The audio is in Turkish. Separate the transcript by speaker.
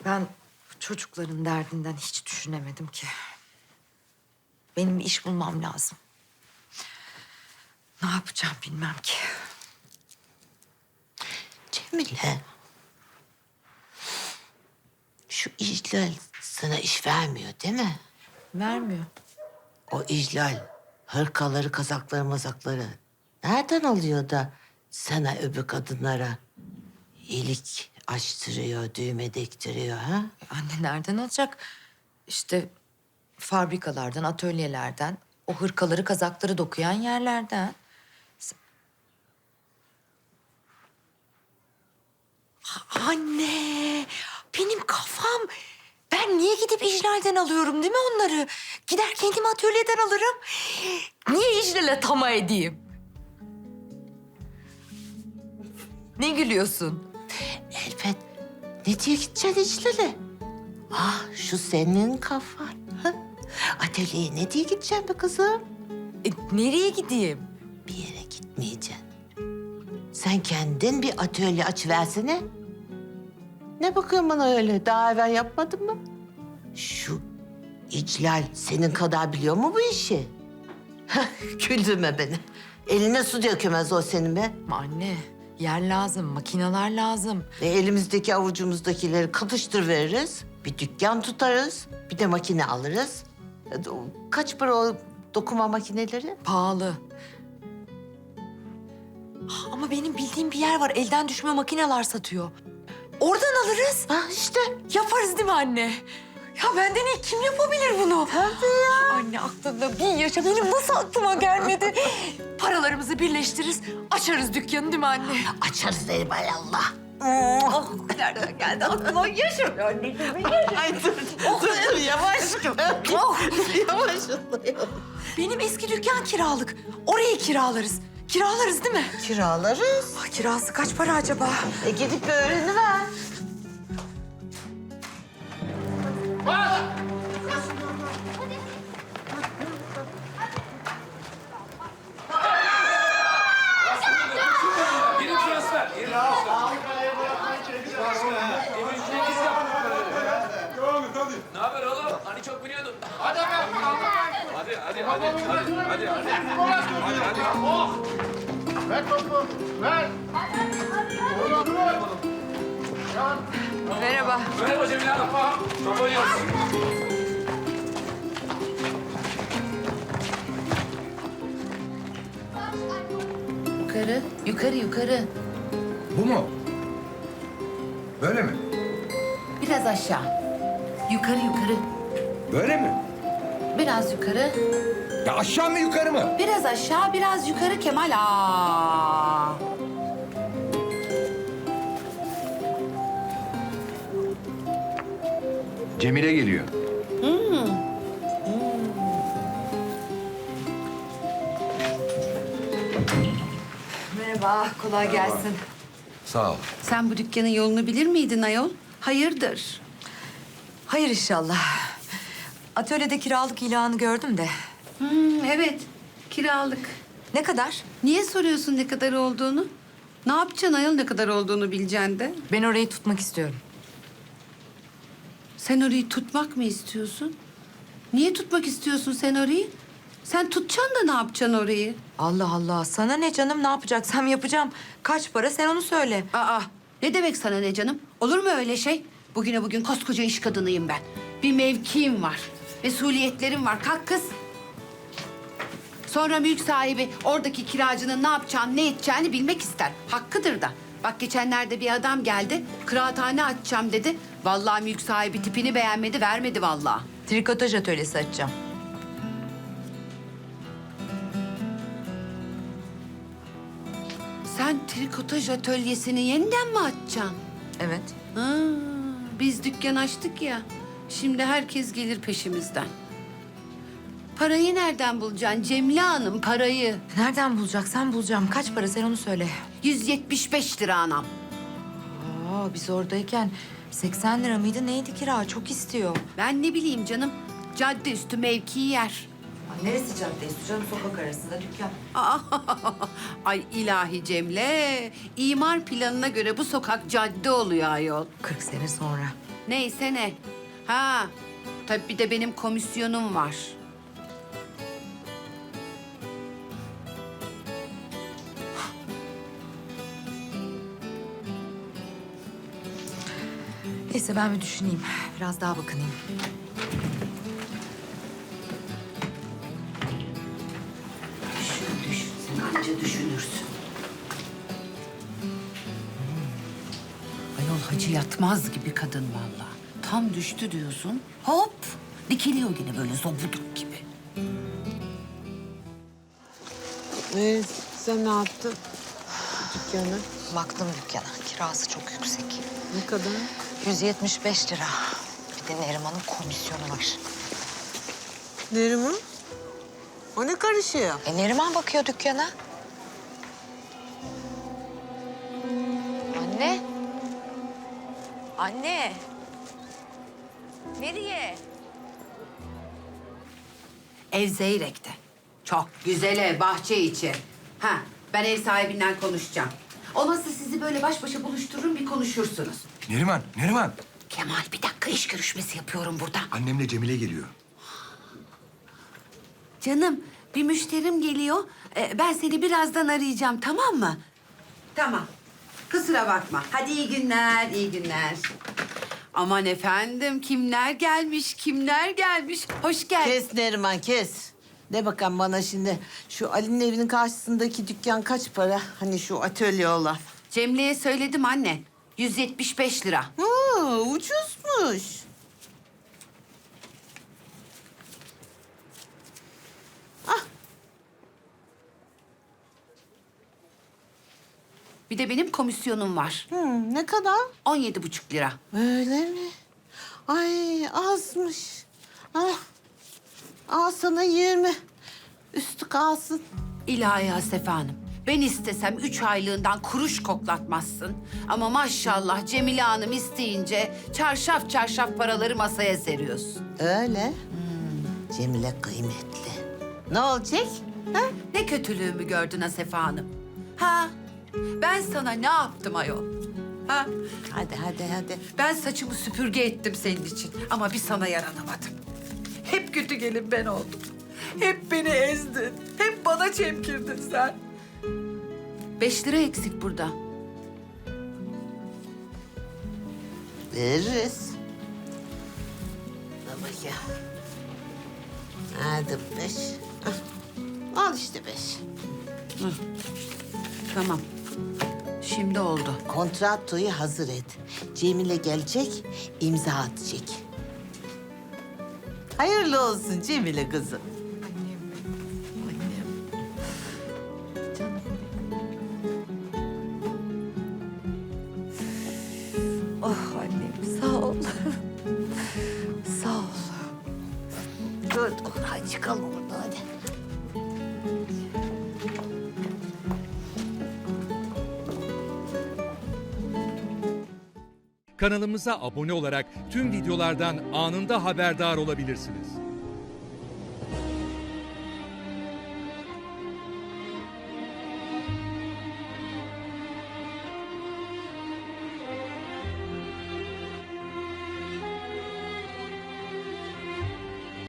Speaker 1: Ben çocukların derdinden hiç düşünemedim ki. Benim bir iş bulmam lazım. Ne yapacağım bilmem ki.
Speaker 2: Cemile. Şu İclal sana iş vermiyor değil mi?
Speaker 1: Vermiyor.
Speaker 2: O İclal hırkaları, kazakları, mazakları nereden alıyor da sana öbür kadınlara iyilik açtırıyor, düğme diktiriyor ha?
Speaker 1: Anne nereden alacak? İşte fabrikalardan, atölyelerden, o hırkaları, kazakları dokuyan yerlerden. Anne, benim kafam. Ben niye gidip İclal'den alıyorum değil mi onları? Gider kendim atölyeden alırım. Niye İclal'e tama edeyim? Ne gülüyorsun?
Speaker 2: Elbet. Ne diye gideceksin İclal'e? Ah şu senin kafan. Ha? Atölyeye ne diye gideceksin be kızım?
Speaker 1: Nereye gideyim?
Speaker 2: Bir yere gitmeyeceksin. Sen kendin bir atölye açıversene. Ne bakıyorsun bana öyle? Daha evvel yapmadın mı? Şu İclal senin kadar biliyor mu bu işi? Hah, güldürme beni. Eline su dökemez o senin be.
Speaker 1: Anne, yer lazım, makineler lazım.
Speaker 2: Elimizdeki avucumuzdakileri katıştır veririz. Bir dükkan tutarız. Bir de makine alırız. Kaç para o dokuma makineleri?
Speaker 1: Pahalı. Ama benim bildiğim bir yer var. Elden düşme makineler satıyor. Oradan alırız.
Speaker 2: Ha işte.
Speaker 1: Yaparız değil mi anne? Ya benden iyi kim yapabilir bunu?
Speaker 2: Tabii ya.
Speaker 1: Anne aklında bin yaşa. Benim nasıl aklıma gelmedi? Paralarımızı birleştiririz. Açarız dükkanı değil mi anne?
Speaker 2: Açarız derim hay Allah.
Speaker 1: Oh, nereden geldi aklıma? Yaşa anneciğim.
Speaker 2: Ay dur yavaş.
Speaker 1: Oh.
Speaker 2: Yavaş.
Speaker 1: Benim eski dükkan kiralık. Orayı kiralarız. Kiralarız değil mi?
Speaker 2: Kiralarız.
Speaker 1: Ah, kirası kaç para acaba?
Speaker 2: Gidip bir öğreniver.
Speaker 3: Yeni transfer. Yeni transfer. Ne haber oğlum? Hani çok biliyordun. Hadi hadi.
Speaker 4: Ver topu, ver.
Speaker 1: Merhaba.
Speaker 3: Merhaba Cemile Hanım. Top oynuyoruz.
Speaker 5: Yukarı, yukarı, yukarı.
Speaker 4: Bu mu? Böyle mi?
Speaker 5: Biraz aşağı. Yukarı, yukarı.
Speaker 4: Böyle mi?
Speaker 5: Biraz yukarı.
Speaker 4: Ya aşağı mı yukarı mı?
Speaker 5: Biraz aşağı, biraz yukarı Kemal. Aa.
Speaker 4: Cemile geliyor.
Speaker 1: Merhaba, kolay gelsin.
Speaker 4: Sağ ol.
Speaker 6: Sen bu dükkanın yolunu bilir miydin ayol? Hayırdır?
Speaker 1: Hayır inşallah. Atölyede kiralık ilanı gördüm de.
Speaker 6: Evet, kiralık.
Speaker 1: Ne kadar?
Speaker 6: Niye soruyorsun ne kadar olduğunu? Ne yapacaksın ayol ne kadar olduğunu bileceksin de?
Speaker 1: Ben orayı tutmak istiyorum.
Speaker 6: Sen orayı tutmak mı istiyorsun? Niye tutmak istiyorsun sen orayı? Sen tutacaksın da ne yapacaksın orayı?
Speaker 1: Allah Allah, sana ne canım? Ne yapacaksam yapacağım. Kaç para sen onu söyle.
Speaker 6: Aa, ne demek sana ne canım? Olur mu öyle şey? Bugüne bugün koskoca iş kadınıyım ben. Bir mevkiim var. Mesuliyetlerim var. Kalk kız. Sonra mülk sahibi oradaki kiracının ne yapacağını, ne edeceğini bilmek ister. Hakkıdır da. Bak geçenlerde bir adam geldi. Kıraathane açacağım dedi. Vallahi mülk sahibi tipini beğenmedi, vermedi vallahi.
Speaker 1: Trikotaj atölyesi açacağım.
Speaker 6: Sen trikotaj atölyesini yeniden mi açacaksın?
Speaker 1: Evet.
Speaker 6: Ha, biz dükkan açtık ya. Şimdi herkes gelir peşimizden. Parayı nereden bulacaksın Cemile Hanım, parayı?
Speaker 1: Nereden bulacaksan bulacağım. Kaç para sen onu söyle.
Speaker 6: 175 lira anam.
Speaker 1: Aa, biz oradayken 80 lira mıydı neydi kira? Çok istiyor.
Speaker 6: Ben ne bileyim canım, cadde üstü mevki yer.
Speaker 1: Ay, neresi cadde üstü canım? Sokak arasında dükkan.
Speaker 6: Ay ilahi Cemile, imar planına göre bu sokak cadde oluyor ayol.
Speaker 1: 40 sene sonra.
Speaker 6: Neyse ne. Ha, tabii bir de benim komisyonum var.
Speaker 1: Neyse ben bir düşüneyim. Biraz daha bakınayım.
Speaker 6: Düşün. Sen anca düşünürsün. Ayol hacı yatmaz gibi kadın vallahi. Tam düştü diyorsun. Hop! Dikiliyor yine böyle zobuduk gibi.
Speaker 2: Sen ne yaptın? Dükkanı.
Speaker 1: Baktım dükkana. Kirası çok yüksek.
Speaker 2: Ne kadar?
Speaker 1: 175 lira. Bir de Neriman'ın komisyonu var.
Speaker 2: Neriman? O ne karışıyor?
Speaker 1: Neriman bakıyor dükkana. Anne. Anne. Nereye?
Speaker 6: Ev Zeyrek'te. Çok güzel ev, bahçe içi. Ha, ben ev sahibinden konuşacağım. Olmazsa sizi böyle baş başa buluştururum, bir konuşursunuz.
Speaker 4: Neriman.
Speaker 6: Kemal, bir dakika iş görüşmesi yapıyorum burada.
Speaker 4: Annemle Cemile geliyor.
Speaker 6: Canım, bir müşterim geliyor. Ben seni birazdan arayacağım, tamam mı? Tamam. Kusura bakma. Hadi iyi günler, iyi günler. Aman efendim, kimler gelmiş. Hoş geldin.
Speaker 2: Kes Neriman, kes. De bakalım bana şimdi, şu Ali'nin evinin karşısındaki dükkan kaç para? Hani şu atölye olan.
Speaker 6: Cemre'ye söyledim anne. 175 lira.
Speaker 2: Ucuzmuş.
Speaker 6: Bir de benim komisyonum var.
Speaker 2: Ne kadar?
Speaker 6: 17,5 lira.
Speaker 2: Öyle mi? Ay azmış. Ah. Al sana 20. Üstü kalsın.
Speaker 6: İlahi Asefe Hanım. Ben istesem 3 aylığından kuruş koklatmazsın. Ama maşallah Cemile Hanım isteyince çarşaf çarşaf paraları masaya seriyorsun.
Speaker 2: Öyle. Cemile kıymetli. Ne olacak? Ha?
Speaker 6: Ne kötülüğümü gördün Asefe Hanım? Ha? Ben sana ne yaptım ayol? Ha?
Speaker 2: Hadi.
Speaker 6: Ben saçımı süpürge ettim senin için ama bir sana yaranamadım. Hep kötü gelin ben oldum. Hep beni ezdin. Hep bana çemkirdin sen. 5 lira eksik burada.
Speaker 2: Veririz. Baba ya. Hadi 5. Al işte 5.
Speaker 6: Tamam. Şimdi oldu.
Speaker 2: Kontratoyu hazır et. Cemile gelecek, imza atacak. Hayırlı olsun Cemile kızım.
Speaker 1: Oh annem sağ ol. Sağ ol.
Speaker 2: Dur, hadi çıkalım buradan hadi.
Speaker 7: Kanalımıza abone olarak tüm videolardan anında haberdar olabilirsiniz.